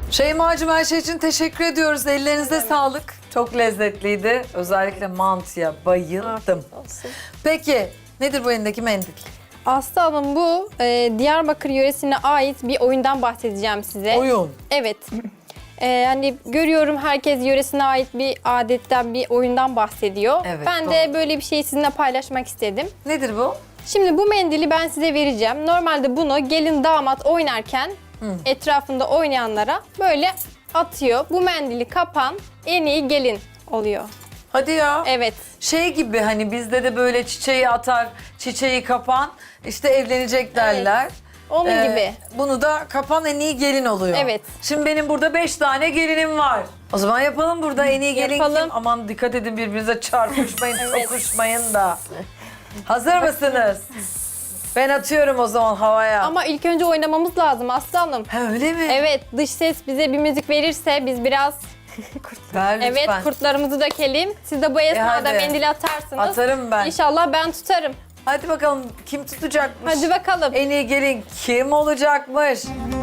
Şeyma'cığım her şey için teşekkür ediyoruz. Ellerinize sağlık. Çok lezzetliydi. Özellikle mantıya bayıldım. Peki nedir bu elindeki mendil? Aslı Hanım bu Diyarbakır yöresine ait bir oyundan bahsedeceğim size. Oyun. Evet. Hani görüyorum herkes yöresine ait bir adetten, bir oyundan bahsediyor. Evet, Ben de böyle bir şeyi sizinle paylaşmak istedim. Nedir bu? Şimdi bu mendili ben size vereceğim. Normalde bunu gelin damat oynarken etrafında oynayanlara böyle atıyor. Bu mendili kapan en iyi gelin oluyor. Hadi ya. Evet. Şey gibi hani bizde de böyle çiçeği atar, çiçeği kapan, işte evlenecek derler. Onun gibi. Bunu da kapan en iyi gelin oluyor. Evet. Şimdi benim burada 5 tane gelinim var. O zaman yapalım burada en iyi gelin Yapalım. kim? Aman dikkat edin birbirinize çarpışmayın, sokuşmayın da. Hazır mısınız? Ben atıyorum o zaman havaya. Ama ilk önce oynamamız lazım Aslı Hanım. Ha, öyle mi? Evet, dış ses bize bir müzik verirse biz biraz Ver lütfen. evet kurtlarımızı dökelim. Siz de bu esnada hadi. mendili atarsınız. Atarım ben. İnşallah ben tutarım. Hadi bakalım kim tutacakmış? Hadi bakalım. En iyi gelin kim olacakmış?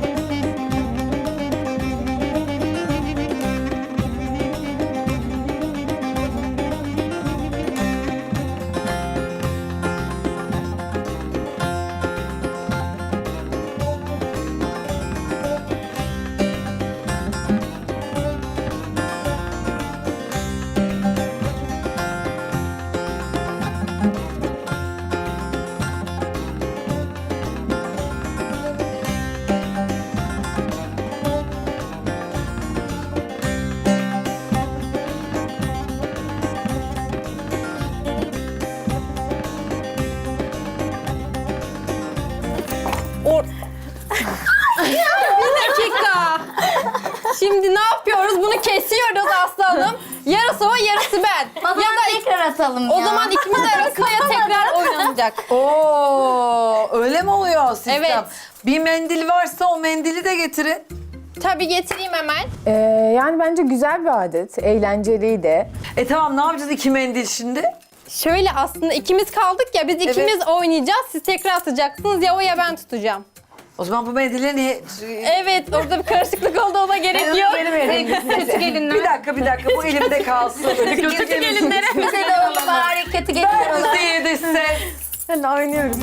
Bir dakika. Şimdi ne yapıyoruz? Bunu kesiyoruz Aslı Hanım. Yarısı o, yarısı ben. O zaman tekrar atalım O ya. zaman ikimiz arasında ya tekrar oynanacak. Oo, öyle mi oluyor sistem? Evet. Bir mendil varsa o mendili de getirin. Tabii getireyim hemen. Yani bence güzel bir adet, eğlenceliydi. Tamam ne yapacağız iki mendil şimdi? Şöyle aslında ikimiz kaldık ya biz ikimiz oynayacağız. Siz tekrar atacaksınız ya o ya ben tutacağım. O zaman bu mendillerin... Evet orada bir karışıklık oldu ona gerek yok. Kötü gelinler. Bir dakika bu elimde kalsın. Kötü gelinlere. Bize de oğlum bari kötü gelinler olur. Müziği de ses. Hadi oynuyoruz.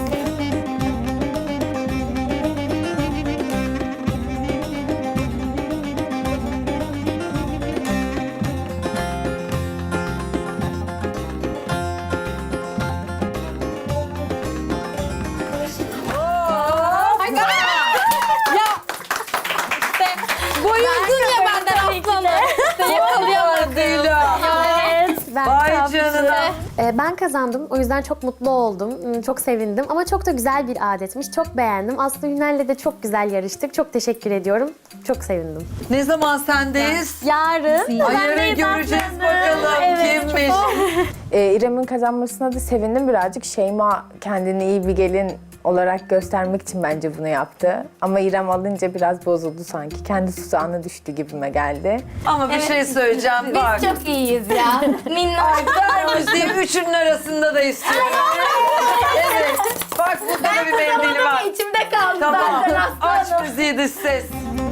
İşte boyuldun ya benden Aslanım. İşte yakalayamadım. Evet. Vay canına. Ben kazandım. O yüzden çok mutlu oldum. Çok sevindim. Ama çok da güzel bir adetmiş. Çok beğendim. Aslı Hünel'le de çok güzel yarıştık. Çok teşekkür ediyorum. Çok sevindim. Ne zaman sendeyiz? Yarın. Ay, yarın göreceğiz bakalım kimmiş. İrem'in kazanmasına da sevindim birazcık. Şeyma kendini iyi bir gelin olarak göstermek için bence bunu yaptı. Ama İrem alınca biraz bozuldu sanki. Kendi tuzağına düştü gibime geldi. Ama bir şey söyleyeceğim bak. Biz çok iyiyiz ya. Minnak. Ver müziği üçünün arasında da istiyorum. Evet. Bak burada da bir mendil var. İçimde kaldı Tamam. zaten Aç aslanım. müziği dış ses.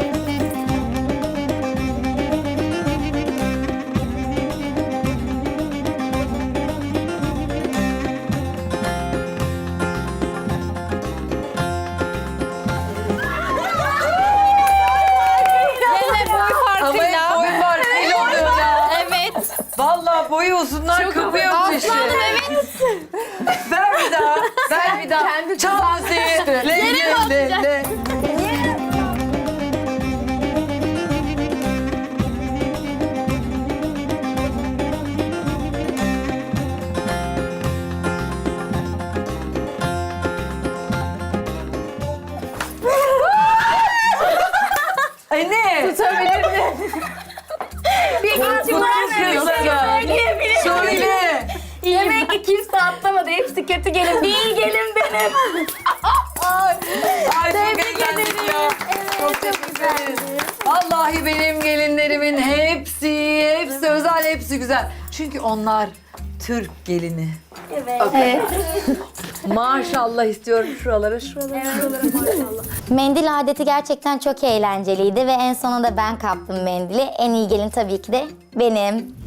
Yine boy Ama hep farkıyla. boy var. Deli oluyor ya. Evet. Vallahi boyu uzunlar kapıyor bu işi. Aslanım evet. Ver bir daha. Ver bir daha. Çal müziği. Le. Ay ne? Tutabilir mi? Bir geçim Söyle. Demek ki kimse atlamadı. Hepsi kötü gelin. Bir gelin benim. Ay çok eğlendim ya. Çok teşekkür ederiz. Vallahi benim gelinlerimin hepsi özel, hepsi güzel. Çünkü onlar Türk gelini. Evet. Maşallah istiyorum şuralara. Mendil adeti gerçekten çok eğlenceliydi ve en sonunda ben kaptım mendili. En iyi gelin tabii ki de benim.